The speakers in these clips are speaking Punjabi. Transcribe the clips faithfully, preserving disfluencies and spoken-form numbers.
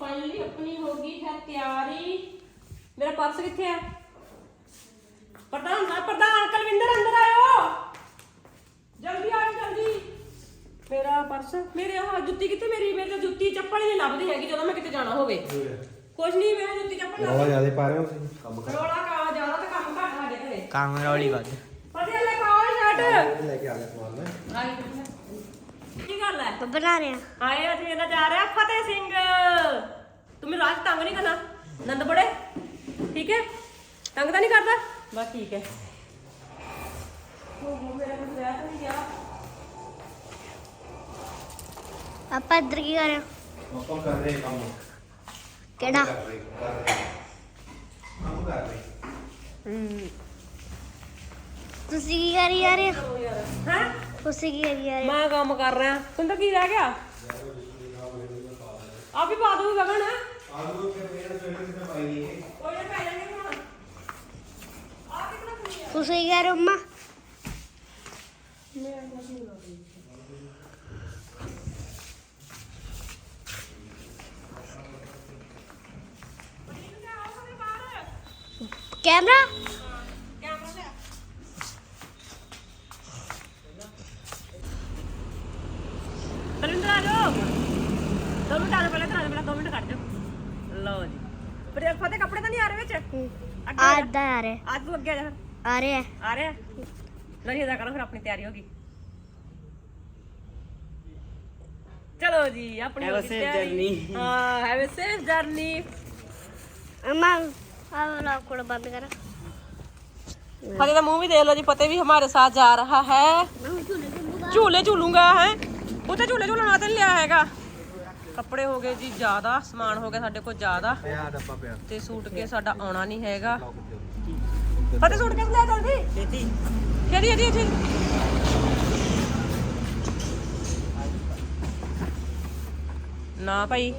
फाइनली अपनी होगी है तैयारी। मेरा पर्स किथे है? प्रधान प्रधान कलविंदर अंदर आयो, जल्दी आओ जल्दी। मेरा पर्स मेरे हाँ जुत्ती किथे मेरी? मेरी तो जुत्ती चप्पल ही नहीं लभदी हैगी ਜਦੋਂ मैं किते जाना होवे। कुछ नहीं मैं जुत्ती चप्पल ਰੌਲਾ ਜ਼ਿਆਦਾ ਪਾ ਰਹੇ ਹੋ ਤੁਸੀਂ ਕੰਮ ਕਰ। ਰੌਲਾ ਕਾ ਜ਼ਿਆਦਾ ਤਾਂ ਕੰਮ ਘੱਟ ਸਾਡੇ ਘਰੇ। काम रौली बात ਫਤਿਹ ਲੈ ਕਾਲ ਸ਼ਰਟ ਲੈ ਕੇ ਆ ਗਿਆ ਸਮਾਨ ਮੈਂ। ਕੀ ਗੱਲ ਹੈ? बना रहे हैं। ਆਏ ਅੱਜ ਮੇਰਾ ਜਾ ਰਿਹਾ ਫਤਿਹ ਸਿੰਘ। ਤੂੰ ਮੈਨੂੰ ਰਾਜ ਤੰਗ ਨਹੀਂ ਕਰਨਾ ਨੰਦ ਬੜੇ, ਠੀਕ ਹੈ? ਤੰਗ ਤਾਂ ਨਹੀਂ ਕਰਦਾ? ਬਸ ਠੀਕ ਹੈ। ਉਹ ਮੇਰਾ ਕੁਝ ਰਹਿ ਤਾਂ ਨਹੀਂ ਗਿਆ। पापा इधर की कर रहे हो? ਆਪਾਂ ਕਰ ਰਹੇ ਕੰਮ। केड़ा? ਕਰ ਰਹੇ ਕਰ ਰਹੇ ਕੰਮ ਕਰ ਰਹੇ। ਹੂੰ तुसी की करी जा रहे हो? ਹੈ तुसी की करी जा रहे हो? ਮੈਂ ਕੰਮ ਕਰ ਰਿਹਾ। ਤੂੰ ਤਾਂ ਕੀ ਰਹਿ ਗਿਆ? ਆ ਵੀ ਪਾ ਦੂੰ ਗਗਨ। ਆਲੂ ਕੇ ਪੇੜ ਸਵੇਰੇ ਕਿਤੇ ਪਾਈ ਨਹੀਂ ਹੈ। ਕੋਈ ਨਾ ਪੈ ਜਾਣਗੇ ਹੁਣ। ਆ ਕਿਤਨਾ ਖੁੱਲੀ ਹੈ? तुसी की कर रहे हो अम्मा? कैमरा? ਤਰਿੰਦਰ ਆ ਜਾਓ। ਦੋ ਮਿੰਟ ਆ ਜਾਓ, ਪਹਿਲਾਂ ਤਾਂ ਆ ਜਾਓ, ਪਹਿਲਾਂ ਦੋ ਮਿੰਟ ਕੱਢ ਜਾਓ। ਲਓ ਜੀ। ਪਰ ਇਹ ਫਤਿਹ ਕੱਪੜੇ ਤਾਂ ਨਹੀਂ ਆ ਰਹੇ ਵਿੱਚ? ਅੱਗੇ ਆ ਜਾ। आधा आ रहे हैं। ਅੱਜ ਤੂੰ ਅੱਗੇ ਆ ਜਾ ਫਿਰ। आ रहे हैं। ਆ ਰਿਹਾ? ਨਹੀਂ ਅਦਾ ਕਰੋ ਫਿਰ ਆਪਣੀ ਤਿਆਰੀ ਹੋ ਗਈ। ਚਲੋ ਜੀ ਆਪਣੀ Have a ਹੋ ਗਈ safe ਤਿਆਰੀ। journey. ਹਾਂ ਹੈਵ ਅ ਸੇਫ ਜਰਨੀ। अम्मा अब व्लॉग को बंद करो। फतेह का मुंह भी देख लो जी। फतेह भी हमारे साथ जा रहा है। झूले झूलूंगा है उते झूले झूलन वास्ते नहीं लिया हैगा। कपड़े हो गए जी ज्यादा, समान हो गया साडे कोल ज्यादा ਪਿਆ ਡੱਬਾ ਪਿਆ। ते सूट के साडा आना नहीं हैगा। फतेह सूट के ले जल्दी खेती केडी एडी एडी ना भाई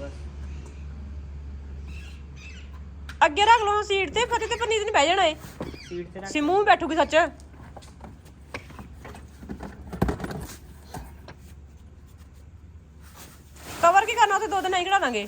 ਅੱਗੇ ਰੱਖ ਲਓ ਸੀਟ ਤੇ। ਫਤਿਹ ਤੇ ਪਨੀਤ ਨਹੀਂ ਬਹਿ ਜਾਣਾ ਏ। सीट से ਸਿਮੂ ਵੀ ਬੈਠੂਗੀ ਸੱਚ। ਕਵਰ ਕੀ ਕਰਨਾ ਉੱਥੇ ਦੋ ਦਿਨ ਨਹੀਂ ਕਢਾ ਦਾਂਗੇ।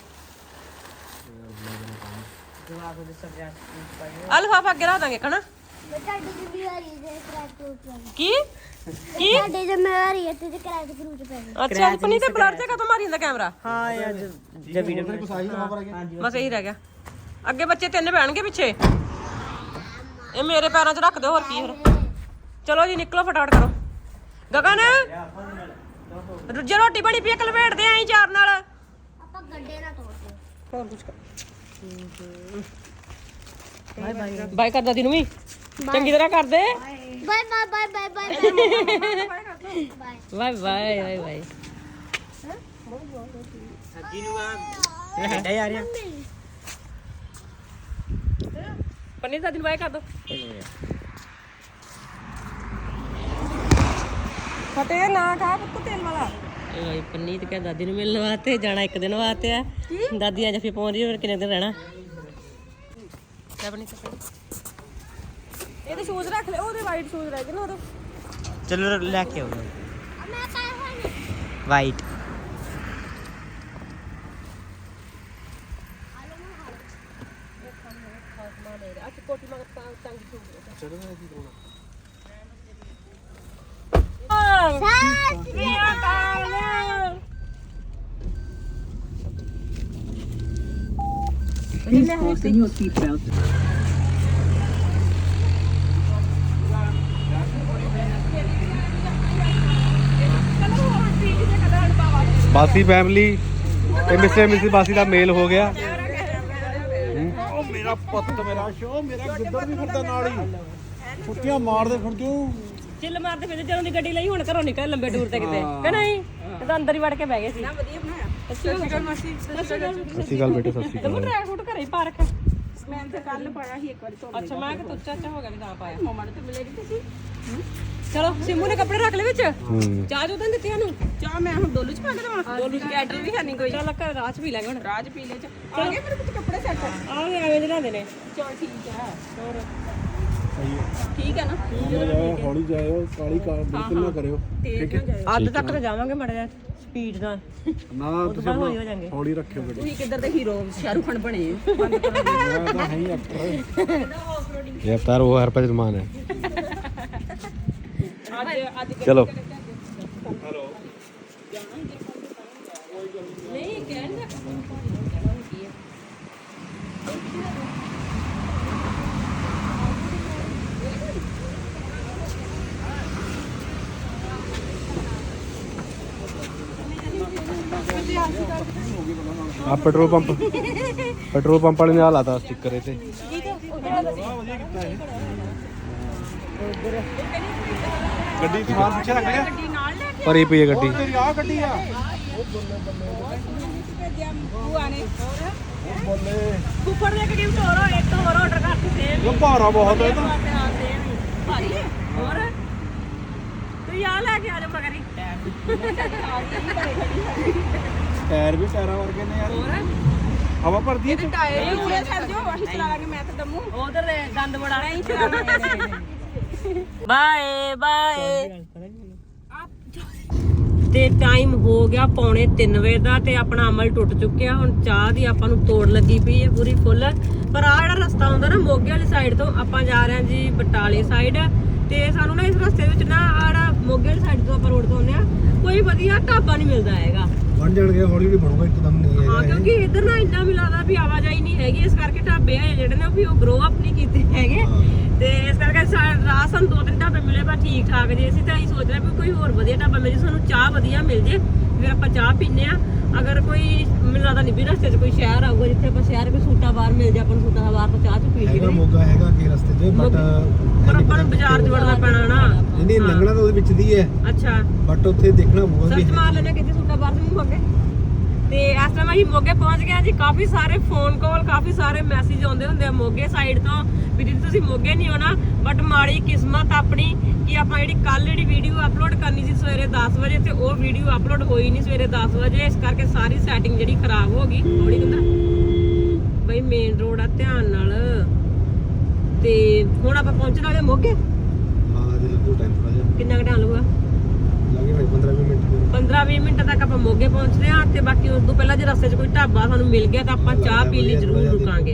ਆ ਲਿਫਾਫਾ ਅੱਗੇ ਰੱਖ ਦਾਂਗੇ ਕਹਣਾ। ਤੁਹਾਡੀ ਜ਼ਿੰਮੇਵਾਰੀ ਹੈ ਕ੍ਰੈਕ ਤੋਂ ਕੀ ਕੀ ਤੁਹਾਡੀ ਜ਼ਿੰਮੇਵਾਰੀ ਹੈ ਤੇ ਕ੍ਰੈਕ ਫਰੂਟ ਪੈ ਗਏ। ਅੱਛਾ ਪਨੀ ਤੇ ਬਲਰ ਤੇ ਕਦੋਂ ਮਾਰੀ ਜਾਂਦਾ ਕੈਮਰਾ? हाँ यार जब वीडियो में ਕੁਛ ਆਈ ਨਾ ਪਰ ਅੱਗੇ। हाँ जी ਬਸ ਇਹੀ ਰਹਿ ਗਿਆ। ਅੱਗੇ ਬੱਚੇ ਤਿੰਨ ਬਹਿਣਗੇ ਪਿੱਛੇ। ਇਹ ਮੇਰੇ ਪੈਰਾਂ 'ਚ ਰੱਖ ਦਿਓ ਹੋਰ ਕੀ ਫਿਰ। ਚਲੋ ਜੀ ਨਿਕਲੋ ਫਟਾਫਟ ਕਰੋ। ਗਗਨ ਰੁੱਜੇ ਰੋਟੀ ਬਣੀ ਪਈ ਕਲਵੇੜਦੇ ਆਂ ਚਾਰ ਨਾਲ। ਆਪਾਂ ਗੱਡੇ ਨਾ ਤੋੜਦੇ। ਹੋਰ ਕੁਝ ਕਰ। बाय बाय ਬਾਈ ਕਰ ਦਾਦੀ ਨੂੰ ਵੀ ਚੰਗੀ ਤਰ੍ਹਾਂ ਕਰ ਦੇ। Bye bye bye bye bye bye bye bye bye bye. सब्जी नु आ हेडा यार यार ਪਨੀ ਦਾਦੀ ਨੂੰ ਬਾਏ ਕਰ ਦੋ। ਫਤਿਹ ਨਾ ਖਾ ਪੁੱਤ ਤੇਲ ਵਾਲਾ। ਇਹ ਭਾਈ ਪਨੀਤ ਕਹ ਦਾਦੀ ਨੂੰ ਮਿਲਣ ਵਾਸਤੇ ਜਾਣਾ ਇੱਕ ਦਿਨ ਵਾਸਤੇ ਆ। ਦਾਦੀ ਅੱਜ ਫਿਰ ਪਹੁੰਚ ਰਹੀ ਹੋਰ ਕਿੰਨੇ ਦਿਨ ਰਹਿਣਾ। ਲੈ ਪਨੀਤ ਇਹਦੇ ਸ਼ੂਜ਼ ਰੱਖ ਲੈ। ਉਹਦੇ ਵਾਈਟ ਸ਼ੂਜ਼ ਰਹਿ ਗਏ ਨਾ ਉਹਦੇ। चलो लेके आओ ਮੈਂ ਪਾਇਆ ਹੋਇਆ ਨਹੀਂ। वाइट ਕੋਟੀ ਮਗਰ ਤਾਂ ਤੰਗ ਸ਼ੂਜ਼ ਚੜ੍ਹਨਾ ਕੀ ਕਰਾਉਣਾ? Please fasten your seatbelt. Bassi family ਤੇ ਮਿਸਟਰ ਮਿਸਿਸ ਬਾਸੀ ਦਾ ਮੇਲ ਹੋ ਗਿਆ। ਉਹ ਮੇਰਾ ਪੁੱਤ ਮੇਰਾ ਸ਼ੋ ਮੇਰਾ ਗਿੱਦੜ ਵੀ ਫਿਰਦਾ ਨਾਲ ਹੀ ਛੁੱਟੀਆਂ ਮਾਰਦੇ ਫਿਰ ਕਿਉਂ। ਚਿੱਲ ਮਾਰਦੇ ਫਿਰ ਜਦੋਂ ਦੀ ਗੱਡੀ ਲਈ ਹੁਣ ਘਰੋਂ ਨਿਕਲ ਲੰਬੇ ਟੂਰ ਤੇ ਕਿਤੇ ਕਿ ਨਹੀਂ। ਇਹ ਤਾਂ ਅੰਦਰ ਹੀ ਵੜ ਕੇ ਬਹਿ ਗਏ ਸੀ। ਨਾ ਵਧੀਆ ਬਣਾਇਆ। ਸੱਚੀ ਗੱਲ ਮਾਸੀ ਸਤਿ ਸ਼੍ਰੀ ਅਕਾਲ ਬੇਟੇ, ਸਤਿ ਸ਼੍ਰੀ ਤੇ ਅਕਾਲ। ਡਰਾਈ ਫਰੂਟ ਘਰੇ ਹੀ ਪਾ ਰੱਖਿਆ। ਮੈਂ ਤਾਂ ਕੱਲ ਪਾਇਆ ਸੀ ਇੱਕ ਵਾਰੀ ਤੋਂ। ਅੱਛਾ ਮੈਂ ਕਿ ਤੁੱਚਾ ਚਾਚਾ ਹੋ ਗਿਆ ਵੀ ਤਾਂ ਪਾਇਆ। ਮਮਾ ਨੇ ਤਾਂ ਮਿਲੇਗੀ ਤੁਸੀਂ। ਚਲੋ ਸਿੰਮੂ ਨੇ ਕੱਪੜੇ ਰੱਖ ਲਏ ਵਿੱਚ। ਹੂੰ ਚਾਹ ਜੋ ਤਾਂ ਦਿੱਤੀ ਸਾਨੂੰ। ਚਾਹ ਮੈਂ ਹੁਣ ਡੋਲੂ ਚ ਪਾ ਕੇ ਦੇਵਾਂ। ਡੋਲੂ ਚ ਕੈਟਲ ਵੀ ਹੈ ਨਹੀਂ ਕੋਈ। ਚੱਲ ਘਰ ਰਾਤ ਪੀ ਲਾਂਗੇ ਹੁਣ। ਰਾਜ ਪੀ ਲੈ ਚ ਆ ਗਏ ਮੇਰੇ ਕੁਝ ਕੱਪੜੇ ਸੈੱਟ। ਆਹ ਵੀ ਐਵੇਂ ਜਲਾਉਂਦੇ ਨੇ। ਚਲ ਠੀਕ ਹੈ। ਹੋਰ ਠੀਕ ਹੈ ਨਾ। ਜਾਓ ਹੌਲੀ ਜਾਇਓ, ਕਾਲੀ ਕਾਰ ਬਿਲਕੁਲ ਨਾ ਕਰਿਓ। ਠੀਕ ਹੈ। ਅੱਧ ਤੱਕ ਤਾਂ ਜਾਵਾਂਗੇ ਮੜਾ ਜਾ। ਸਪੀਡ ਨਾਲ ਨਾ ਉਹ ਤੁਸੀਂ ਤੋਂ ਬਾਅਦ ਹੌਲੀ ਹੋ ਆਪਣਾ ਜਾਣਗੇ। ਹੌਲੀ ਰੱਖਿਓ ਗੱਡੀ ਤੁਸੀਂ ਕਿੱਧਰ ਦੇ ਹੀਰੋ ਸ਼ਾਹਰੁਖ ਖਾਨ ਬਣੇ ਮੈਂ ਤਾਂ ਹੈ ਹੀ ਐਕਟਰ ਇਹ ਅਵਤਾਰ ਉਹ ਹਰਪ੍ਰੀਤ ਮਾਨ ਹੈ ਅੱਜ ਅੱਜ ਚਲੋ ਨਹੀਂ ਕਹਿਣ ਦਾ ਆ ਪੈਟਰੋਲ ਪੰਪ ਪੈਟਰੋਲ ਪੰਪ ਵਾਲੇ ਨੇ ਆ ਲਾਤਾ ਸਟicker ਇਹ ਤੇ ਗੱਡੀ ਸਮਾਨ ਪਿੱਛੇ ਰੱਖ ਗਿਆ ਗੱਡੀ ਨਾਲ ਲੈ ਕੇ ਭਰੀ ਪਈ ਹੈ ਗੱਡੀ ਤੇਰੀ ਆ ਗੱਡੀ ਆ ਭੇਜਿਆ ਬੂਆ ਨੇ ਬੱਲੇ ਕੁੱਕਰ ਦੇ ਕਿਹੜੀ ਹੋਰ ਇੱਕ ਹੋਰ ਆਰਡਰ ਕਰ ਦਿੱਤੇ ਇਹ ਭਾਰਾ ਬਹੁਤ ਹੈ ਇਹ ਤਾਂ ਭਾਈ ਹੋਰ ਤੂੰ ਆ ਲੈ ਕੇ ਆ ਜਾ ਮਗਰੀ ਟਾਇਰ ਵੀ ਟਾਇਰਾਂ ਵਰਗੇ ਨੇ ਯਾਰ ਹੋਰ ਹਵਾ ਭਰਦੀ ਹੈ ਇਹਦੇ ਟਾਇਰ ਵੀ ਪੂਰੇ ਛੱਡ ਦਿਓ ਅਸੀਂ ਚਲਾ ਲਾਂਗੇ ਮੈਂ ਤੇ ਦਮੂ ਉਧਰ ਗੰਦ ਬੜਾ ਨਹੀਂ ਚਲਾਣਾ ਬਾਏ ਬਾਏ ਤੇ ਟਾਈਮ ਹੋ ਗਿਆ ਪੌਣੇ ਤਿੰਨ ਵਜੇ ਦਾ ਤੇ ਆਪਣਾ ਅਮਲ ਟੁੱਟ ਚੁੱਕਿਆ ਹੁਣ ਚਾਹ ਦੀ ਆਪਾਂ ਨੂੰ ਤੋੜ ਲੱਗੀ ਪਈ ਹੈ ਪੂਰੀ ਫੁੱਲ ਪਰ ਆ ਜਿਹੜਾ ਰਸਤਾ ਆਉਂਦਾ ਨਾ ਮੋਗੇ ਵਾਲੀ ਸਾਈਡ ਤੋਂ ਆਪਾਂ ਜਾ ਰਹੇ ਹਾਂ ਜੀ ਬਟਾਲੇ ਸਾਈਡ ਤੇ ਸਾਨੂੰ ਨਾ ਇਸ ਰਸਤੇ ਵਿੱਚ ਨਾ ਆੜਾ ਮੋਗੇ ਵਾਲੀ ਸਾਈਡ ਤੋਂ ਆਪਾਂ ਰੋਡ ਤੋਂ ਆਉਂਦੇ ਆ ਕੋਈ ਵਧੀਆ ਢਾਬਾ ਨਹੀਂ ਮਿਲਦਾ ਹੈਗਾ ਬਣ ਜਾਣਗੇ ਹੌਲੀ ਹੌਲੀ ਬਣੂਗਾ ਇੱਕਦਮ ਨਹੀਂ ਹਾਂ ਕਿਉਂਕਿ ਇੱਧਰ ਨਾ ਇੰਨਾ ਮਿਲਾਦਾ ਵੀ ਆਵਾਜਾਈ ਨਹੀਂ ਹੈਗੀ ਇਸ ਕਰਕੇ ਢਾਬੇ ਆ ਜਿਹੜੇ ਨੇ ਵੀ ਉਹ ਗਰੋ ਅਪ ਨਹੀਂ ਕੀਤੇ ਹੈਗੇ ਤੇ ਇਸ ਕਰਕੇ ਰਾਹ ਸਾਨੂੰ ਦੋ ਤਿੰਨ ਢਾਬੇ ਮਿਲੇ ਪਰ ਠੀਕ ਠਾਕ ਜੇ ਅਸੀਂ ਤਾਂ ਅਸੀਂ ਸੋਚ ਰਹੇ ਵੀ ਕੋਈ ਹੋਰ ਵਧੀਆ ਢਾਬਾ ਮਿਲ ਜੇ ਸਾਨੂੰ ਚਾਹ ਵਧੀਆ ਮਿਲ ਜੇ ਫਿਰ ਆਪਾਂ ਚਾਹ ਪੀਨੇ ਆ ਅਗਰ ਕੋਈ ਮੈਨੂੰ ਲੱਗਦਾ ਨਹੀਂ ਵੀ ਰਸਤੇ 'ਚ ਕੋਈ ਸ਼ਹਿਰ ਆਊਗਾ ਜਿੱਥੇ ਆਪਾਂ ਸ਼ਹਿਰ ਕੋਈ ਸੂਟਾ ਬਾਰ ਮਿਲ ਜੇ ਆਪਾਂ ਨੂੰ ਸੂਟਾ ਬਾਰ ਤੋਂ ਚਾਹ ਚ ਪੀ ਲਈਏ ਮੋਗਾ ਹੈਗਾ ਕਿ ਰਸਤੇ 'ਚ ਬਟ ਪਰ ਆਪਾਂ ਨੂੰ ਬਾਜ਼ਾਰ 'ਚ ਵੜਨਾ ਪੈਣਾ ਨਾ ਨਹੀਂ ਲੰਘਣਾ ਤਾਂ ਉਹਦੇ ਵਿੱਚ ਦੀ ਹੈ ਅੱਛਾ ਬਟ ਉੱਥੇ ਦੇਖਣਾ ਪਊਗਾ ਸਰਚ ਮਾਰ ਲੈਣਾ ਕਿਤੇ ਸੂਟਾ ਬਾਰ ਤੋਂ ਮੋਗੇ ਤੇ ਇਸ ਟਾਈਮ ਅਸੀਂ ਮੋਗੇ ਪਹੁੰਚ ਗਏ ਹਾਂ ਜੀ ਕਾਫੀ ਸਾਰੇ ਫੋਨ ਕਾਲ ਕਾਫੀ ਸਾਰੇ ਮੈਸੇਜ ਆਉਂਦੇ ਹੁੰਦੇ ਆ ਮੋਗੇ ਸਾਈਡ ਤੋਂ ਵੀ ਦੀਦੀ ਤੁਸੀਂ ਮੋਗੇ ਨਹੀਂ ਆਉਣਾ ਬਟ ਮਾੜੀ ਕਿਸਮਤ ਆਪਣੀ ਕਿ ਆਪਾਂ ਜਿਹੜੀ ਕੱਲ ਜਿਹੜੀ ਵੀਡੀਓ ਅਪਲੋਡ ਕਰਨੀ ਸੀ ਸਵੇਰੇ ਦਸ ਵਜੇ ਤੇ ਉਹ ਵੀਡੀਓ ਅਪਲੋਡ ਹੋਈ ਨਹੀਂ ਸਵੇਰੇ ਦਸ ਵਜੇ ਇਸ ਕਰਕੇ ਸਾਰੀ ਸੈਟਿੰਗ ਜਿਹੜੀ ਖਰਾਬ ਹੋ ਗਈ ਥੋੜੀ ਕਹਿੰਦਾ ਬਈ ਮੇਨ ਰੋਡ ਆ ਧਿਆਨ ਨਾਲ ਤੇ ਹੁਣ ਆਪਾਂ ਪਹੁੰਚਣ ਵਾਲੇ ਮੋਗੇ ਹਾਂ ਜੇ ਲੱਗੂ ਟਾਈਮ ਥੋੜਾ ਜਿਹਾ ਕਿੰਨਾ ਕੁ ਟਾਈਮ ਲੱਗੂਗਾ ਲੱਗੇ ਭਾਈ ਪੰਦਰਾਂ ਵੀਹ ਮਿੰਟ ਪੰਦਰਾਂ ਵੀਹ ਮਿੰਟ ਤੱਕ ਆਪਾਂ ਮੋਗੇ ਪਹੁੰਚਦੇ ਹਾਂ ਤੇ ਬਾਕੀ ਉਸ ਤੋਂ ਪਹਿਲਾਂ ਜੇ ਰਸਤੇ 'ਚ ਕੋਈ ਢਾਬਾ ਸਾਨੂੰ ਮਿਲ ਗਿਆ ਤਾਂ ਆਪਾਂ ਚਾਹ ਪੀ ਲਈ ਜ਼ਰੂਰ ਰੁਕਾਂਗੇ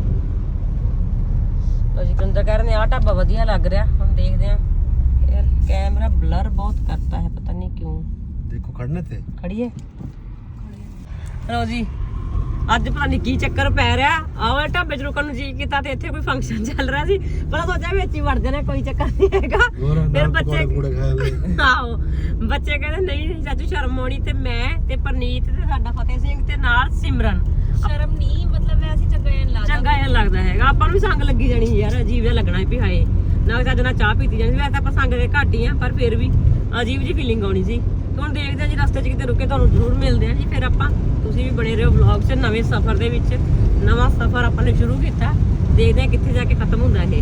ਲੋ ਜੀ ਕੰਦਰ ਕਹਿ ਰਹੇ ਨੇ ਆਹ ਢਾਬਾ ਵਧੀਆ ਲੱਗ ਰਿਹਾ ਹੁਣ ਦੇਖਦੇ ਹਾਂ ਯਾਰ ਕੈਮਰਾ ਬਲਰ ਬਹੁਤ ਕਰਤਾ ਹੈ ਪਤਾ ਨਹੀਂ ਕਿਉਂ ਦੇਖੋ ਖੜਨੇ ਤੇ ਖੜੀਏ ਲੋ ਜੀ ਅੱਜ ਪਤਾ ਨਹੀਂ ਕੀ ਚੱਕਰ ਪੈ ਰਿਹਾ ਆਹ ਢਾਬੇ 'ਚ ਰੁਕਣ ਨੂੰ ਜੀ ਕੀਤਾ ਤੇ ਇੱਥੇ ਕੋਈ ਫੰਕਸ਼ਨ ਚੱਲ ਰਿਹਾ ਸੀ ਪਰ ਸੋਚਿਆ ਵਿੱਚ ਹੀ ਵੜ ਜਾਣਾ ਕੋਈ ਚੱਕਰ ਨਹੀਂ ਹੈਗਾ ਫਿਰ ਬੱਚੇ ਪੂੜੇ ਖਾਏ ਆਹੋ ਬੱਚੇ ਕਹਿੰਦੇ ਨਹੀਂ ਚਾਚੂ ਸ਼ਰਮ ਆਉਣੀ ਤੇ ਮੈਂ ਤੇ ਪਰਨੀਤ ਤੇ ਸਾਡਾ ਫਤਿਹ ਸਿੰਘ ਤੇ ਨਾਲ ਸਿਮਰਨ ਸ਼ਰਮ ਨਹੀਂ ਮਤਲਬ ਵੈਸੇ ਚੰਗਾ ਐ ਲੱਗਦਾ ਚੰਗਾ ਜਿਹਾ ਲੱਗਦਾ ਹੈਗਾ ਆਪਾਂ ਨੂੰ ਵੀ ਸੰਗ ਲੱਗੀ ਜਾਣੀ ਯਾਰ ਅਜੀਬ ਜਿਹਾ ਲੱਗਣਾ ਵੀ ਹਾਏ ਨਾ ਚੱਜ ਨਾਲ ਚਾਹ ਪੀਤੀ ਜਾਣੀ ਵੈਸੇ ਆਪਾਂ ਸੰਗ ਦੇ ਘੱਟ ਹੀ ਆ ਪਰ ਫਿਰ ਵੀ ਅਜੀਬ ਜਿਹੀ ਫੀਲਿੰਗ ਆਉਣੀ ਸੀ ਹੁਣ ਦੇਖਦੇ ਆ ਜੀ ਰਸਤੇ 'ਚ ਕਿਤੇ ਰੁਕੇ ਤੁਹਾਨੂੰ ਜ਼ਰੂਰ ਮਿਲਦੇ ਆ ਜੀ ਫਿਰ ਆਪਾਂ ਤੁਸੀਂ ਵੀ ਬਣੇ ਰਹੋ ਵਲੌਗ 'ਚ ਨਵੇਂ ਸਫ਼ਰ ਦੇ ਵਿੱਚ ਨਵਾਂ ਸਫ਼ਰ ਆਪਾਂ ਨੇ ਸ਼ੁਰੂ ਕੀਤਾ ਦੇਖਦੇ ਆ ਕਿੱਥੇ ਜਾ ਕੇ ਖਤਮ ਹੁੰਦਾ ਇਹ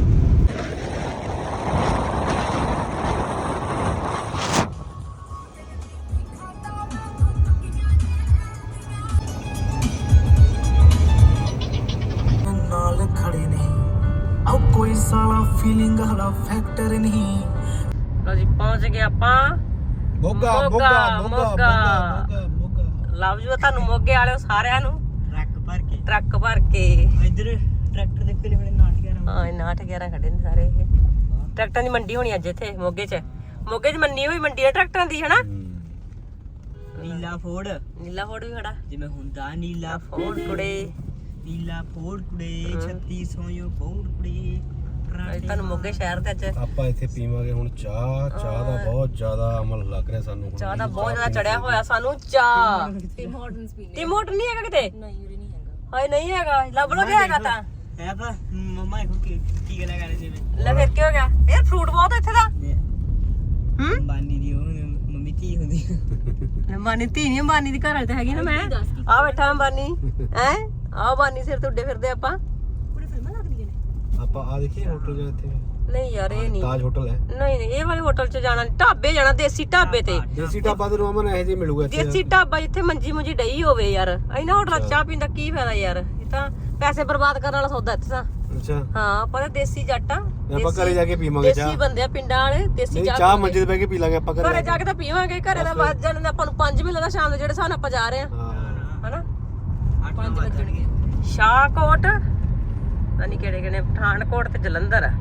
ਨਾਲ ਖੜੇ ਨੇ ਆਓ ਕੋਈ ਸਾਲਾ ਫੀਲਿੰਗ ਹਲਾ ਫੈਕਟਰ ਨਹੀਂ ਲਓ ਜੀ ਪਹੁੰਚ ਗਏ ਆਪਾਂ ਮੋਗਾ ਮੋਗਾ, ਮੋਗਾ ਮੋਗਾ ਮੋਗਾ। ਮੋਗਾ ਮੋਗਾ ਲਵ ਯੂ ਤੁਹਾਨੂੰ ਮੋਗੇ ਵਾਲਿਓ ਸਾਰਿਆਂ ਨੂੰ ਟਰੱਕ ਭਰ ਕੇ ਟਰੱਕ ਭਰ ਕੇ ਇੱਧਰ ਟਰੈਕਟਰ ਦੇ ਕਿਹੜੇ ਬੜੇ ਨਾਟ ਗਿਆ ਹਾਂ ਇਹ ਨਾਟ ਗਿਆਰਾਂ ਖੜੇ ਨੇ ਸਾਰੇ ਇਹ ਟਰੈਕਟਰਾਂ ਦੀ ਮੰਡੀ ਹੋਣੀ ਅੱਜ ਇੱਥੇ ਮੋਗੇ 'ਚ ਮੋਗੇ 'ਚ ਮੰਨੀ ਹੋਈ ਮੰਡੀ ਹੈ ਟਰੈਕਟਰਾਂ ਦੀ ਹਨਾ ਨੀਲਾ ਫੋੜ ਨੀਲਾ ਫੋੜ ਵੀ ਖੜਾ ਜਿਵੇਂ ਹੁੰਦਾ ਨੀਲਾ ਫੋੜ ਕੁੜੇ ਨੀਲਾ ਫੋੜ ਕੁੜੇ ਛੱਤੀ ਸੌ ਫੋੜ ਕੁੜੇ ਅੱਜ ਤੁਹਾਨੂੰ ਮੋਗੇ ਸ਼ਹਿਰ ਤੇ ਅੱਜ ਆਪਾਂ ਇੱਥੇ ਪੀਵਾਂਗੇ ਹੁਣ ਚਾਹ ਚਾਹ ਦਾ ਬਹੁਤ ਜ਼ਿਆਦਾ ਅਮਲ ਲੱਗ ਰਿਹਾ ਸਾਨੂੰ ਹੁਣ ਚਾਹ ਦਾ ਬਹੁਤ ਜ਼ਿਆਦਾ ਚੜਿਆ ਹੋਇਆ ਸਾਨੂੰ ਚਾਹ ਟਿਮ ਹਾਰਟਨਸ ਪੀਨੇ ਤੇ ਮੋਟਰ ਨਹੀਂ ਹੈਗਾ ਕਿਤੇ ਨਹੀਂ ਉਰੇ ਨਹੀਂ ਹੈਗਾ ਹਾਏ ਨਹੀਂ ਹੈਗਾ ਲੱਭ ਲੋ ਕਿਆ ਹੈਗਾ ਤਾਂ ਹੈ ਤਾਂ ਮੰਮਾ ਇਹ ਕੀ ਕੀ ਗੱਲਾਂ ਕਰ ਰਹੇ ਸੀ ਲੈ ਫਿਰ ਕੀ ਹੋ ਗਿਆ ਯਾਰ ਫਰੂਟ ਬਹੁਤ ਹੈ ਇੱਥੇ ਦਾ ਹੂੰ ਅੰਬਾਨੀ ਦੀ ਉਹ ਮੰਮੀ ਧੀ ਹੁੰਦੀ ਅੰਬਾਨੀ ਧੀ ਨਹੀਂ ਅੰਬਾਨੀ ਦੀ ਘਰ ਵਾਲੀ ਤਾਂ ਹੈਗੀ ਨਾ ਮੈਂ ਆ ਬੈਠਾ ਅੰਬਾਨੀ ਹੈ ਆ ਅੰਬਾਨੀ ਸਿਰ ਤੇ ਉੱਡੇ ਫਿਰਦੇ ਆਪਾਂ ਪੂਰੇ ਫਿਲਮਾਂ ਲੱਗਦੀਆਂ ਨੇ ਆਪਾਂ ਆ ਦੇਖੀਏ ਹੋਟਲ ਜਾਂ ਇੱਥੇ ਨਹੀਂ ਯਾਰ ਇਹ ਨਹੀਂ ਤਾਜ ਹੋਟਲ ਹੈ ਨਹੀਂ ਨਹੀਂ ਇਹ ਵਾਲੇ ਹੋਟਲ 'ਚ ਜਾਣਾ ਨੀ, ਢਾਬੇ ਜਾਣਾ ਦੇਸੀ ਢਾਬੇ ਤੇ ਦੇਸੀ ਢਾਬਾ ਤੇ ਰੋਮਨ ਇਹ ਜੇ ਮਿਲੂਗਾ ਇੱਥੇ ਦੇਸੀ ਢਾਬਾ ਜਿੱਥੇ ਮੰਜੀ ਮੁੰਜੀ ਡਈ ਹੋਵੇ ਯਾਰ ਇਹਨਾਂ ਹੋਟਲਾਂ 'ਚ ਚਾਹ ਪੀਣ ਦਾ ਕੀ ਫਾਇਦਾ ਯਾਰ ਇਹ ਤਾਂ ਪੈਸੇ ਬਰਬਾਦ ਕਰਨ ਵਾਲਾ ਸੌਦਾ ਇੱਥੇ ਤਾਂ ਅੱਛਾ ਹਾਂ ਆਪਾਂ ਤਾਂ ਦੇਸੀ ਜੱਟ ਆ ਆਪਾਂ ਘਰੇ ਜਾ ਕੇ ਪੀਵਾਂਗੇ ਚਾਹ। ਦੇਸੀ ਬੰਦੇ ਆ ਪਿੰਡਾਂ ਵਾਲੇ ਦੇਸੀ ਨਹੀਂ ਚਾਹ ਚਾਹ ਪੀਂਦੇ। ਮੰਜੇ ਤੇ ਬਹਿ ਕੇ ਪੀ ਲਾਂਗੇ ਆਪਾਂ ਘਰੇ ਘਰੇ ਜਾ ਕੇ ਤਾਂ ਪੀਵਾਂਗੇ ਘਰੇ ਦਾ ਵੱਜ ਜਾਣ ਆਪਾਂ ਨੂੰ ਪੰਜ ਵੀ ਲੱਗਦਾ ਸ਼ਾਮ ਦੇ ਜਿਹੜੇ ਸਾਨੂੰ ਆਪਾਂ ਜਾ ਰਹੇ ਆ ਹਾਂ ਹਨਾ ਪੰਜ ਵੱਜਣਗੇ ਸ਼ਾਹਕੋਟ ਨਹੀਂ ਕਿਹੜੇ ਕਿਹੜੇ ਪਠਾਨਕੋਟ ਤੇ ਜਲੰਧਰ ਆ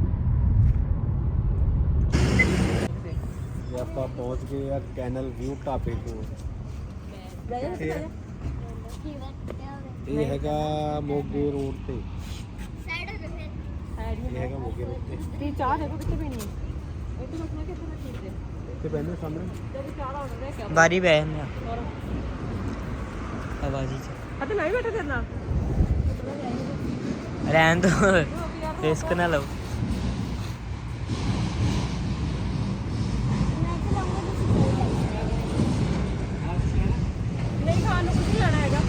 ਇਹ ਆਪਾਂ ਪਹੁੰਚ ਗਏ ਆ ਕੈਨਲ ਵਿਊ ਢਾਬੇ ਕੋਲ। ਕਿੱਥੇ ਆ? ਇਹ ਹੈਗਾ ਮੋਗੇ ਰੋਡ ਤੇ ਇਹ ਹੈਗਾ ਮੋਗੇ ਰੋਡ ਤੇ ਤੀ ਚਾਹ ਦੇਖੋ ਕਿੱਥੇ ਪੀਣੀ ਹੈ ਇੱਥੇ ਰੁਕਣਾ ਕਿੱਥੇ ਰੱਖੀ ਤੇ ਤੇ ਬੰਦੇ ਸਾਹਮਣੇ ਤੇ ਚਾਹ ਦਾ ਆਰਡਰ ਕਿਆ ਬਾਰੀ ਬੈ ਮੈਂ ਹੋਰ ਆਵਾਜ਼ੀ ਚ ਅਤੇ ਨਹੀਂ ਬੈਠੇ ਤੇਰੇ ਨਾਲ ਰਹਿਣ ਦੋ ਰਿਸਕ ਨਾ ਲਓ ਨਹੀਂ ਖਾਣ ਨੂੰ ਕੁਝ ਨਹੀਂ ਲੈਣਾ ਹੈਗਾ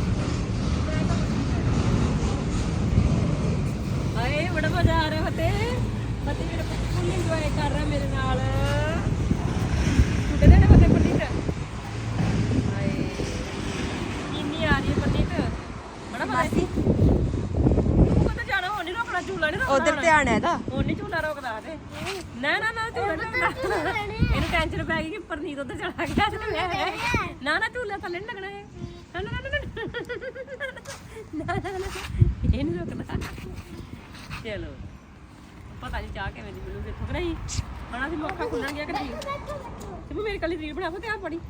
ਹਾਏ ਬੜਾ ਮਜ਼ਾ ਆ ਰਿਹਾ ਫਤੇ ਫਤੇ ਮੇਰੇ ਫੁੱਲ ਇੰਜੋਏ ਕਰ ਰਿਹਾ ਮੇਰੇ ਨਾਲ ਛੁੱਟੇ ਦੇ ਨੇ ਫਤੇ ਪੰਡਿਤ ਹਾਏ ਕਿੰਨੀ ਆ ਰਹੀ ਹੈ ਪੰਡਿਤ ਬੜਾ ਮਾਸੀ ਤੂੰ ਕਦੋਂ ਜਾਣਾ ਹੁਣ ਨਹੀਂ ਰੋਕਣਾ ਝੂਲਾ ਨਹੀਂ ਰੋਕਣਾ ਉਧਰ ਧਿਆਨ ਹੈ ਇਹਦਾ ਹੁਣ ਨਹੀਂ ਝੂਲਾ ਰੋਕਦਾ ਤੇ ਨਾ ਨਾ ਨਾ ਝੂਲਾ ਨਹੀਂ ਰੋਕਦਾ ਇਹਨੂੰ ਟੈਨਸ਼ਨ ਪੈ ਗਈ ਕਿ ਪਰਨੀਤ ਉੱਧਰ ਚਲਾ ਗਿਆ ਤੇ ਮੈਂ ਨਾ ਨਾ ਝੂਲਾ ਥੱਲੇ ਨਹੀਂ ਲੱਗਣਾ ਹੈ ਨਾ ਨਾ ਨਾ ਨਾ ਨਾ ਨਾ ਇਹ ਨਹੀਂ ਰੋਕਦਾ ਚਲੋ ਪਤਾ ਨਹੀਂ ਚਾਹ ਕਿਵੇਂ ਦੀ ਮਿਲੂਗੀ ਇੱਥੋਂ ਕਿ ਨਹੀਂ ਹੁਣ ਅਸੀਂ ਮੌਕਾ ਖੁੱਲਣ ਗਿਆ ਕਿ ਨਹੀਂ ਤੇ ਮੇਰੇ ਕੱਲੀ ਰੀਲ ਬਣਾ ਫੋ ਤੇ ਆ ਪੜੀ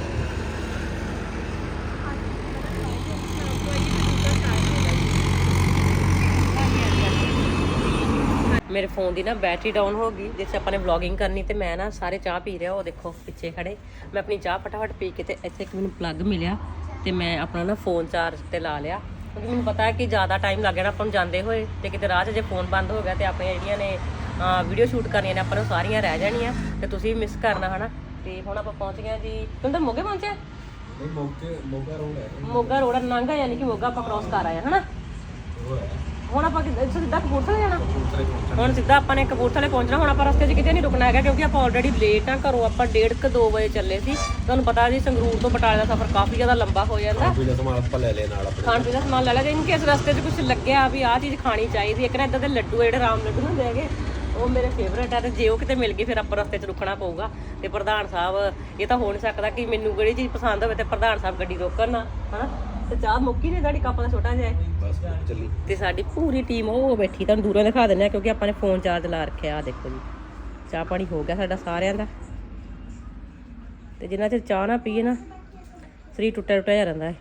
ਮੇਰੇ ਫੋਨ ਦੀ ਨਾ ਬੈਟਰੀ ਡਾਊਨ ਹੋ ਗਈ ਜਿਸ ਆਪਾਂ ਨੇ ਵਲੌਗਿੰਗ ਕਰਨੀ ਤੇ ਮੈਂ ਨਾ ਸਾਰੇ ਚਾਹ ਪੀ ਰਿਹਾ ਉਹ ਦੇਖੋ ਪਿੱਛੇ ਖੜੇ ਮੈਂ ਆਪਣੀ ਚਾਹ ਫਟਾਫਟ ਪੀ ਕੇ ਤੇ ਇੱਥੇ ਇੱਕ ਮੈਨੂੰ ਪਲੱਗ ਮਿਲਿਆ ਤੇ ਮੈਂ ਆਪਣਾ ਨਾ ਫੋਨ ਚਾਰਜ ਤੇ ਲਾ ਲਿਆ ਕਿਉਂਕਿ ਮੈਨੂੰ ਪਤਾ ਹੈ ਕਿ ਜ਼ਿਆਦਾ ਟਾਈਮ ਲੱਗ ਜਾਣਾ ਆਪਾਂ ਨੂੰ ਜਾਂਦੇ ਹੋਏ ਤੇ ਕਿਤੇ ਰਾਹ 'ਚ ਜੇ ਫੋਨ ਬੰਦ ਹੋ ਗਿਆ ਤੇ ਆਪਣੀਆਂ ਜਿਹੜੀਆਂ ਨੇ ਵੀਡੀਓ ਸ਼ੂਟ ਕਰਨੀਆਂ ਨੇ ਆਪਾਂ ਨੂੰ ਸਾਰੀਆਂ ਰਹਿ ਜਾਣੀਆਂ ਤੇ ਤੁਸੀਂ ਵੀ ਮਿਸ ਕਰਨਾ ਹਨਾ ਤੇ ਹੁਣ ਆਪਾਂ ਪਹੁੰਚ ਗਏ ਜੀ ਤੁਸੀਂ ਤਾਂ ਮੋਗੇ ਪਹੁੰਚੇ ਨਹੀਂ ਮੋਗੇ ਮੋਗਾ ਰੋਡ ਹੈ ਮੋਗਾ ਰੋਡ ਨਾਂਗਾ ਯਾਨੀ ਕਿ ਮੋਗਾ ਆਪਾਂ ਕ੍ਰੋਸ ਕਰ ਆਏ ਹਨਾ ਹੁਣ ਆਪਾਂ ਕਿੱਦਾਂ ਸਿੱਧਾ ਕਪੂਰਥਲੇ ਜਾਣਾ ਹੁਣ ਸਿੱਧਾ ਆਪਾਂ ਨੇ ਕਪੂਰਥਲੇ ਪਹੁੰਚਣਾ ਹੁਣ ਆਪਾਂ ਰਸਤੇ 'ਚ ਕਿਤੇ ਨਹੀਂ ਰੁਕਣਾ ਹੈਗਾ ਕਿਉਂਕਿ ਆਪਾਂ ਆਲਰੇਡੀ ਲੇਟ ਆ ਘਰੋਂ ਆਪਾਂ ਡੇਢ ਕੁ ਦੋ ਵਜੇ ਚੱਲੇ ਸੀ ਤੁਹਾਨੂੰ ਪਤਾ ਜੀ ਸੰਗਰੂਰ ਤੋਂ ਬਟਾਲੇ ਦਾ ਸਫ਼ਰ ਕਾਫੀ ਜ਼ਿਆਦਾ ਲੰਬਾ ਹੋ ਜਾਂਦਾ ਪੀਲਾ ਸਮਾਨ ਆਪਾਂ ਲੈ ਲਿਆ ਨਾਲ ਆਪਣੇ ਖਾਣ ਪੀਣ ਦਾ ਸਮਾਨ ਲੈ ਲਿਆ ਜੇ ਇਨ ਕੇਸ ਰਸਤੇ 'ਚ ਕੁਝ ਲੱਗਿਆ ਵੀ ਆਹ ਚੀਜ਼ ਖਾਣੀ ਚਾਹੀਦੀ ਇੱਕ ਨਾ ਇਦਾਂ ਦੇ ਲੱਡੂ ਜਿਹੜੇ ਰਾਮ ਲੱਡੂ ਹੁੰਦੇ ਹੈਗੇ ਉਹ ਮੇਰੇ ਫੇਵਰੇਟ ਆ ਤੇ ਜੇ ਉਹ ਕਿਤੇ ਮਿਲ ਗਈ ਫਿਰ ਆਪਾਂ ਰਸਤੇ 'ਚ ਰੁਕਣਾ ਪਊਗਾ ਤੇ ਪ੍ਰਧਾਨ ਸਾਹਿਬ ਇਹ ਤਾਂ ਹੋ ਨਹੀਂ ਸਕਦਾ ਕਿ ਮੈਨੂੰ ਜਿਹੜੀ ਚੀਜ਼ ਪਸੰਦ ਹੋਵੇ ਤੇ ਪ੍ਰਧਾਨ ਸਾਹਿਬ ਗੱਡੀ ਰੋਕਣ ਨਾ ਹਨਾ ਤੇ ਚਾਹ ਮੁੱਕੀ ਨੇ ਸਾਡੀ ਕੱਪ ਦਾ ਛੋਟਾ ਜਿਹਾ ਬਸ ਚੱਲੀ ਤੇ ਸਾਡੀ ਪੂਰੀ ਟੀਮ ਉਹ ਬੈਠੀ ਤੁਹਾਨੂੰ ਦੂਰੋਂ ਦਿਖਾ ਦਿੰਦੇ ਆ ਕਿਉਂਕਿ ਆਪਾਂ ਨੇ ਫੋਨ ਚਾਰਜ ਲਾ ਰੱਖਿਆ ਆ ਦੇਖੋ ਜੀ ਚਾਹ ਪਾਣੀ ਹੋ ਗਿਆ ਸਾਡਾ ਸਾਰਿਆਂ ਦਾ ਤੇ ਜਿੰਨਾ ਚਿਰ ਚਾਹ ਨਾ ਪੀਏ ਨਾ ਸਰੀਰ ਟੁੱਟਿਆ ਟੁੱਟਿਆ ਜਾ ਰਹਿੰਦਾ ਹੈ